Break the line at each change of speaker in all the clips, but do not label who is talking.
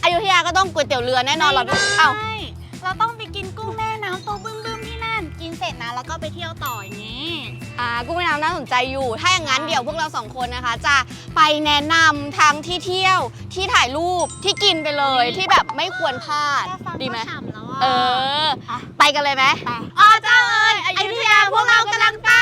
ยุธยาก็ต้องก๋วยเตี๋ยวเรือแน่นอนเราเอ้า
เราต้องไปกินกุ้งแม่น้ำตัวบึ้มๆที่นั่นกินเสร็จนะแล้วก็ไปเที่ยวต่ออย่างนี้
กุ้งแม่น้ำน่าสนใจอยู่ถ้าอย่างนั้นเดี๋ยวพวกเราสองคนนะคะจะไปแนะนำทั้งที่เที่ยวที่ถ่ายรูปที่กินไปเลยที่แบบไม่ควรพลาดดีไหมไปกันเลยไหมอ๋อเจ้าเอ๋ยอยุธยาพวกเรากำลังไป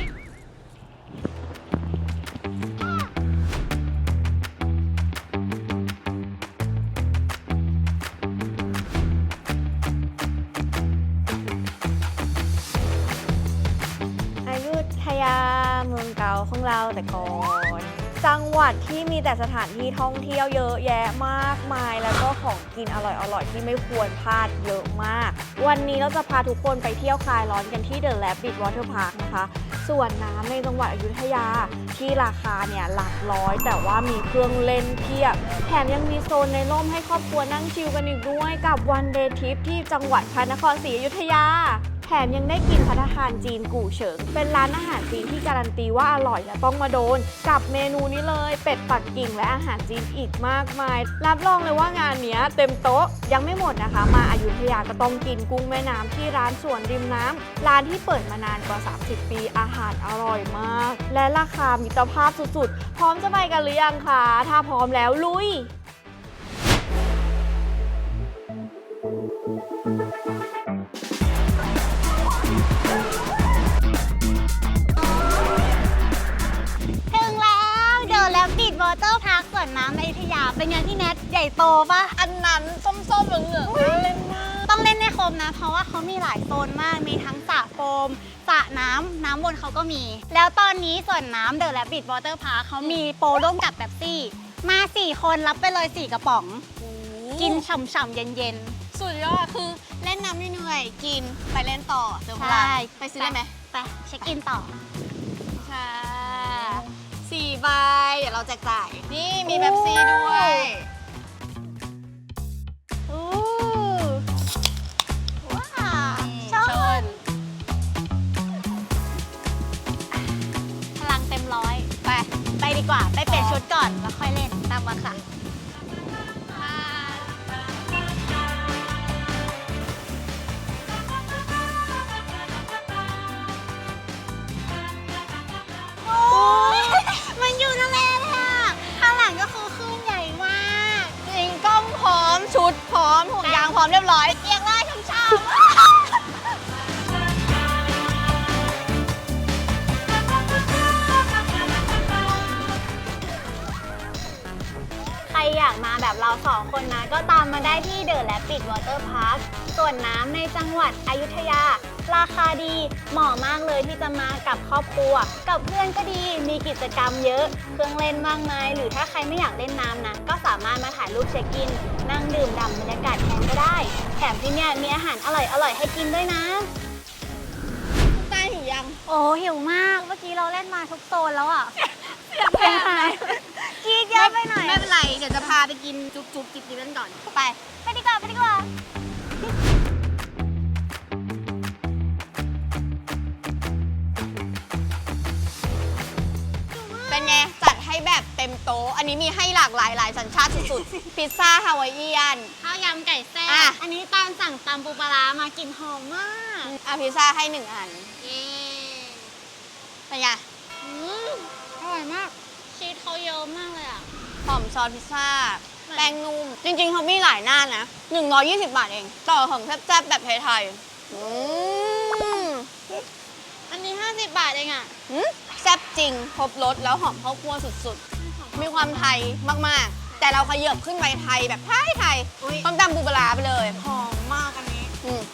อยุธยาเมืองเก่าของเราแต่ก่อนจังหวัดที่มีแต่สถานที่ท่องเที่ยวเยอะแยะมากมายแล้วก็ของกินอร่อยๆที่ไม่ควรพลาดเยอะมากวันนี้เราจะพาทุกคนไปเที่ยวคลายร้อนกันที่ The Rabbit Water Park นะคะส่วนน้ำในจังหวัดอยุธยาที่ราคาเนี่ยหลักร้อยแต่ว่ามีเครื่องเล่นเพียบแถมยังมีโซนในร่มให้ครอบครัวนั่งชิลกันอีกด้วยกับ One Day Trip ที่จังหวัดพระนครศรีอยุธยาแถมยังได้กินภัตตาคารจีนกู่เฉิงเป็นร้านอาหารจีนที่การันตีว่าอร่อยและต้องมาโดนกับเมนูนี้เลยเป็ดปักกิ่งและอาหารจีนอีกมากมายรับรองเลยว่างานเนี้ยเต็มโต๊ะยังไม่หมดนะคะมาอยุธยาก็ต้องกินกุ้งแม่น้ำที่ร้านสวนริมน้ำร้านที่เปิดมานานกว่า30ปีอาหารอร่อยมากและราคามิตรภาพสุดๆพร้อมจะไปกันหรือยังคะถ้าพร้อมแล้วลุย
ถึงแล้วเดี๋ยวแล้วปิดวอเตอร์พาร์คสวนน้ำในอยุธยาเป็นไงพี่แนทใหญ่โตปะ
อันนั้นส้มๆเหลืองๆเล่นมาก
ต้องเล่นให้ครบนะเพราะว่าเขามีหลายโซนมากมีทั้งสระโฟมสระน้ำวนเขาก็มี แล้วตอนนี้สวนน้ำเดอะแรบบิทวอเตอร์พาร์คเขามีโปรร่วมกับเป๊ปซี่มา4คนรับไปเลย4กระป๋อง กินฉ่ำๆเย็น
สุดยอดคือเล่นน้ำเหนื่อยๆกินไปเล่นต่อเติมพ
ใช่
ลังไปซื้อได้ไหม
ไปเช็คอินต่อ
ค่ะ4 ใบเดี๋ยวเราแจกจ่ายนี่มีเป๊ปซี่ด้วย
อู้ว้าวชนพลังเต็มร้อยไปดีกว่าไปเปลี่ยนชุดก่อนแล้วค่อยเล่นตามมาค่ะมันอยู่ทะเลเลยอ่ะข้างหลังก็คือคลื่นใหญ่มาก
จริงกล้องพร้อมชุดพร้อมห่วงยางพร้อมเรียบร้อย
เรียกเลยช่ำๆใครอยากมาแบบเรา2 คนนะก็ตามมาได้ที่เดอะแรปปิดวอเตอร์พาร์คส่วนน้ำในจังหวัดอยุธยาราคาดีเหมาะมากเลยที่จะมากับครอบครัวกับเพื่อนก็ดีมีกิจกรรมเยอะเครื่องเล่นมากมายหรือถ้าใครไม่อยากเล่นน้ำนะก็สามารถมาถ่ายรูปเช็คอินนั่งดื่มด่ำบรรยากาศแทนก็ได้แถมที่เนี่ยมีอาหารอร่อยให้กินด้วยนะ
ใต้หิวยัง
โอ้หิวมากเมื่อกี้เราเล่นมาทุกโซนแล้วอ่ะเป็นไงกีดเยอะไปหน่อย
ไม่เป็นไรเดี๋ยวจะพาไปกินจุ๊บๆจิบๆกันก่อนไป
ดีกว่า
เป็นไงจัดให้แบบเต็มโต๊ะอันนี้มีให้หลากหลายสัญชาติสุดๆ พิซซ่าฮาวายเอียน
ข้าวยำไก่แซ่
อ่ะ
บอันนี้ตาลสั่งตำปูปลาร้ามากินหอมมาก
พิซซ่าให้1 อัน
เย้
เป็นไง
อร่อยมากชีสเขาเยอะมากเลยอ่ะ
หอมซอสพิซซ่าแป้งนุ่มจริงๆเขามีหลายหน้านะ120 บาทเองต่อของแซ่บๆแบบไทยๆ
อันนี้50 บาทเองอ่ะ
แซ่บจริงครบรสแล้วหอมข้าวคั่วสุดๆมีความไทยมากๆแต่เราขยับขึ้นไปไทยแบบไทยต้มตำปูปลาร้าไปเลย
หอมมากอันนี้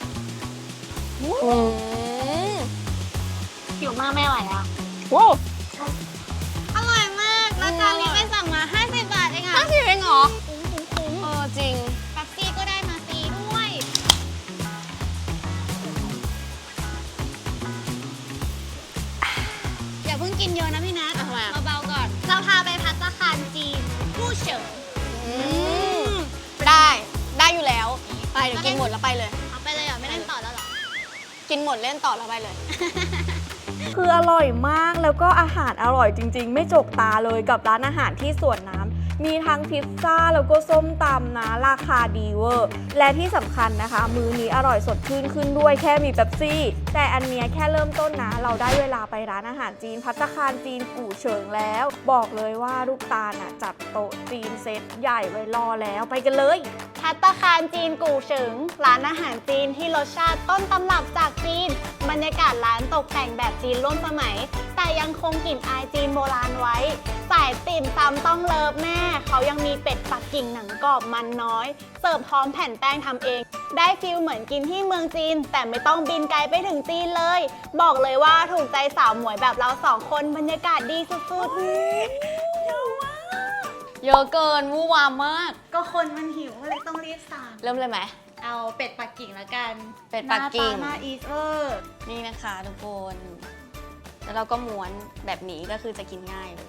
หิวมากไม่ไหวแล้ว
ว้าว
อร่อยมากแล้วจานนี้ไม่สั่งมา50 บาทเองอ่ะ
50 เองเหรอ
คุ้ม
จริง
แป๊บซี่ก็ได้มาฟรีด้วย อย่าเพิ่งกินเยอะนะพี่นัท
ทำไมอะ
เบาๆก่อน เราพาไปภัตตาคารจีนกู้เฉิง
ได้อยู่แล้ว ไปเดี๋ยวกินหมดแล้วไปเลย
เอาไปเลยเหรอไม่เล่นต่อแล้วเหรอ
กินหมดเล่นต่อแล้วไปเลย
คืออร่อยมากแล้วก็อาหารอร่อยจริงๆ ไม่จกตาเลยกับร้านอาหารที่สวนน้ำมีทั้งพิซซ่าแล้วก็ส้มตำนะราคาดีเวอร์และที่สำคัญนะคะ มื้อนี้อร่อยสดชื่นขึ้นด้วยแค่มีเป๊ปซี่ แต่อันเนี้ยแค่เริ่มต้นนะ เราได้เวลาไปร้านอาหารจีนภัตตาคารจีนกู่เฉิงแล้ว บอกเลยว่าลูกตาลน่ะจัดโต๊ะจีนเซตใหญ่ไว้รอแล้วไปกันเลย
ภัตตาคารจีนกู่เฉิงร้านอาหารจีนที่รสชาติต้นตำรับจากจีนบรรยากาศร้านตกแต่งแบบจีนร่วมสมัย แต่ยังคงกลิ่นอายจีนโบราณไว้สายติ่มซำต้องเลิฟแม่เขายังมีเป็ดปักกิ่งหนังกรอบมันน้อยเสิร์ฟพร้อมแผ่นแป้งทำเองได้ฟีลเหมือนกินที่เมืองจีนแต่ไม่ต้องบินไกลไปถึงจีนเลย บอกเลยว่าถูกใจสาวหมวยแบบเรา2 คนบรรยากาศดีสุดๆ
เยอะเกินวู่วามมาก
ก็คนมันหิวก็เลยต้องรีบสั่ง
เริ่มเลยไหม
เอาเป็ดปักกิ่งแล้วกัน
เป็ดปักกิ่ง
หน้าอีสเวอร์
นี่นะคะทุกคน แล้วเราก็ม้วนแบบนี้ก็คือจะกินง่ายเลย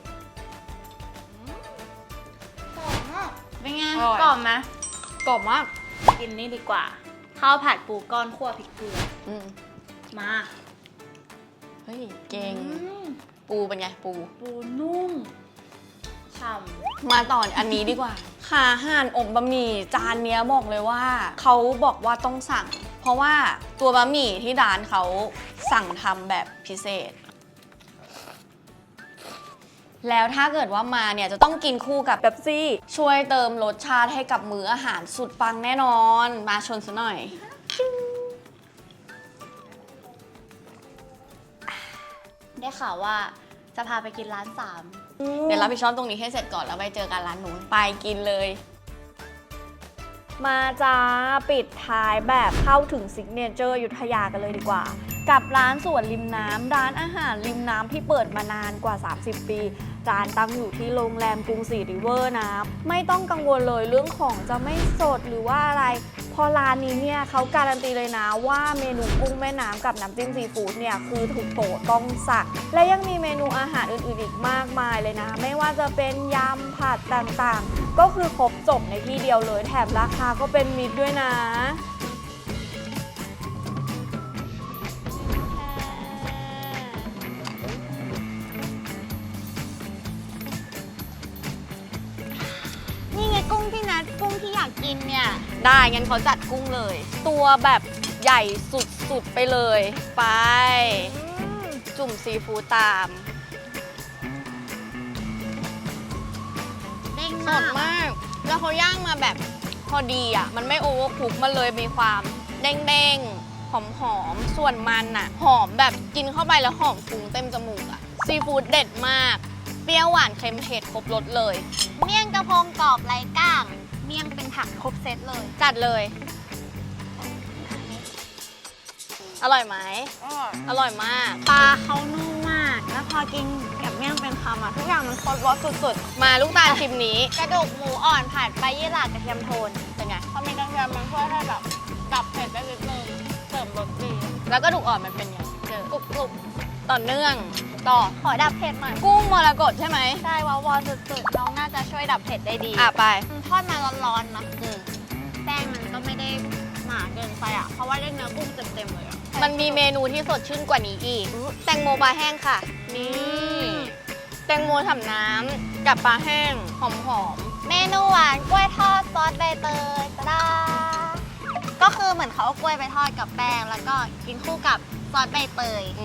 เป็นไง
กรอบไหม
กรอบมาก
กินนี่ดีกว่า ข้าวผัดปูก้อนคั่วพริกเกลือ
อืม
มา
เฮ้ย เก่ง
อืม
ปูเป็นไง ปู
ปูนุ่มฉ่ำ
มาต่ออันนี้ดีกว่าขาห่านอบบะหมี่จานเนี้ยบอกเลยว่าเขาบอกว่าต้องสั่ง เพราะว่าตัวบะหมี่ที่ร้านเขาสั่งทำแบบพิเศษ แล้วถ้าเกิดว่ามาเนี่ยจะต้องกินคู่กับ
เป๊ปซี่
ช่วยเติมรสชาติให้กับมื้ออาหารสุดปังแน่นอน มาชนซะหน่อย
ได้ข่าวว่าจะพาไปกินร้าน
เดี๋ยวรับผิดชอบตรงนี้ให้เสร็จก่อนแล้วไปเจอกันร้านนู้นไปกินเลย
มาจ้าปิดท้ายแบบเข้าถึงซิกเนเจอร์อยุธยากันเลยดีกว่า กับร้านสวนริมน้ำร้านอาหารริมน้ำที่เปิดมานานกว่า 30 ปีร้านตั้งอยู่ที่โรงแรมกรุงศรีริเวอร์นะไม่ต้องกังวลเลยเรื่องของจะไม่สดหรือว่าอะไรพอร้านนี้เนี่ยเขาการันตีเลยนะว่าเมนูกุ้งแม่น้ำกับน้ำจิ้มซีฟู้ดเนี่ยคือถูกโปรดต้องสั่งและยังมีเมนูอาหารอื่นๆอีกมากมายเลยนะไม่ว่าจะเป็นยำผัดต่างๆก็คือครบจบในที่เดียวเลยแถมราคาก็เป็นมิตรด้วยนะ
นี่ไงกุ้งพี่นัทกุ้งที่อยากกินเนี่ย
ได้ งั้นเขาจัดกุ้งเลย ตัวแบบใหญ่สุดๆไปเลย ไป จุ่มซีฟู้ดตาม
เด้ง
ส
มา
ด
ก
มาก แล้วเขาย่างมาแบบพอดีอ่ะ มันไม่โอเวอร์คุกมันเลยมีความเด้งๆ หอมๆ ส่วนมันอ่ะ หอมแบบกินเข้าไปแล้วหอมฟุ้งเต็มจมูกอ่ะ ซีฟู้ดเด็ดมาก เปรี้ยวหวานเค็มเผ็ดครบรสเลย
เมี่ยงกระพงกรอบไร้ก้าง เมี่ยงเป็นผักครบเซตเลย
จัดเลย อร่อยไหม อร่อยมาก
ปลาเขานุ่มมาก แล้วพอกินกับเมี่ยงเป็นคำอ่ะทุกอย่างมันครบรสสุด
มาลูกตาลชิมนี้
ๆ กระดูกหมูอ่อนผัดใบยี่หร่ากระเทียมโทน
เป็นไง
พอมีกระเทียมมันช่วยให้แบบดับเผ็ดได้นิดนึงเสริมรสดี
แล้วก็ดูกอ่อนมันเป็นไงเจอกรุบต่อเนื่อง ต่อ
ขอดับเผ็ดหน่อย
กุ้งมรกตใช่ไหม
ใช่วาวสุดๆน้องน่าจะช่วยดับเผ็ดได้ดี
อ่ะไป
ทอดมาร้อนๆนะ
อืม
แป้งมันก็ไม่ได้หนาเกินไปอ่ะ เพราะว่าได้เนื้อกุ้งเต็มๆเลยอ่ะ
มันมีเมนูที่สดชื่นกว่านี้อีก แตงโมปลาแห้งค่ะ นี่ แตงโมทำน้ำกับปลาแห้ง หอม
เมนูหวานกล้วยทอดซอสใบเตยตะดาก็คือเหมือนเขาเอากล้วยไปทอดกับแป้ง แล้วก็กินคู่กับซอสใบเตย
ๆ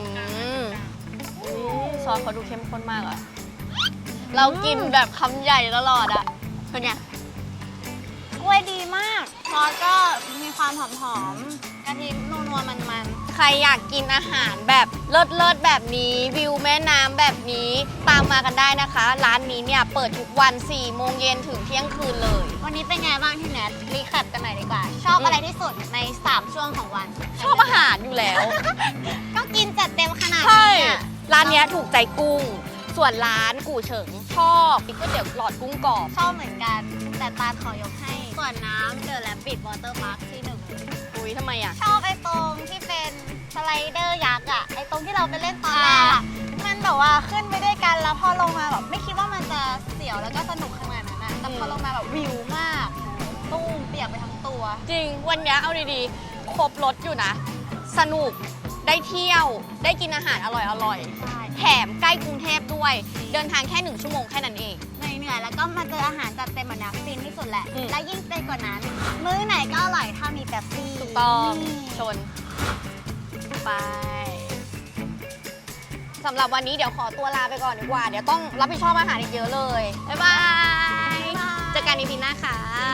ซอสเขาดูเข้มข้นมากอะเรากินแบบคำใหญ่ตลอดอะเป็นไง
กล้วยดีมาก ซอสก็มีความหอมๆกะทินัวๆมัน
ใครอยากกินอาหารแบบเลิศๆแบบนี้วิวแม่น้ำแบบนี้ตามมากันได้นะคะ ร้านนี้เนี่ยเปิดทุกวัน 4 โมงเย็นถึงเที่ยงคืนเลย
ๆวันนี้เป็นไงบ้างที่แนทรีแคปกันหน่อยดีกว่า ชอบอะไรที่สุดใน 3 ช่วงของวัน
ชอบอาหารอยู่แล้ว
ก็กินจัดเต็มขนาด
ใช่
นี้อะ
ร้านเนี้ยถูกใจกุ้ง ส่วนร้านกู่เฉิงชอบก๋วยเตี๋ยวหลอดกุ้งกรอบ
ชอบเหมือนกัน แต่ตาลขอยกให้ ส่วนน้ำเดอะแลปิดวอเตอร์พาร์คที่ 1
อุ้ยทำไมอ่ะ
ชอบไอ้ตรงที่เป็นสไลเดอร์ยักษ์อะไอ้ตรงที่เราไปเล่นตอนแรกอะมันแบบว่าขึ้นไปด้วยกันแล้วพอลงมาแบบไม่คิดว่ามันจะเสียวแล้วก็สนุกขนาดนั้นอะแต่พอลงมาแบบวิวมากตุ้มเปียกไปทั้งตัว
จริงวันเนี้ยเอาดีๆ ครบรถอยู่นะ สนุกได้เที่ยวได้กินอาหารอร่อย
ใช่
ๆ แถมใกล้กรุงเทพด้วยเดินทางแค่1ชั่วโมงแค่นั้นเอง
เหนื่อยๆแล้วก็มาเจออาหารจัดเต็มแบบนี้ฟินที่สุดแหละ
อืม
และยิ่งเป็นกว่านั้น มื้อไหนก็อร่อยถ้ามีเป๊ปซี่
ถูกต้องชนไปสำหรับวันนี้เดี๋ยวขอตัวลาไปก่อนดีกว่า เดี๋ยวต้องรับผิดชอบอาหารอีกเยอะเลย บ๊ายบาย เจอกันในปีหน้าค่ะ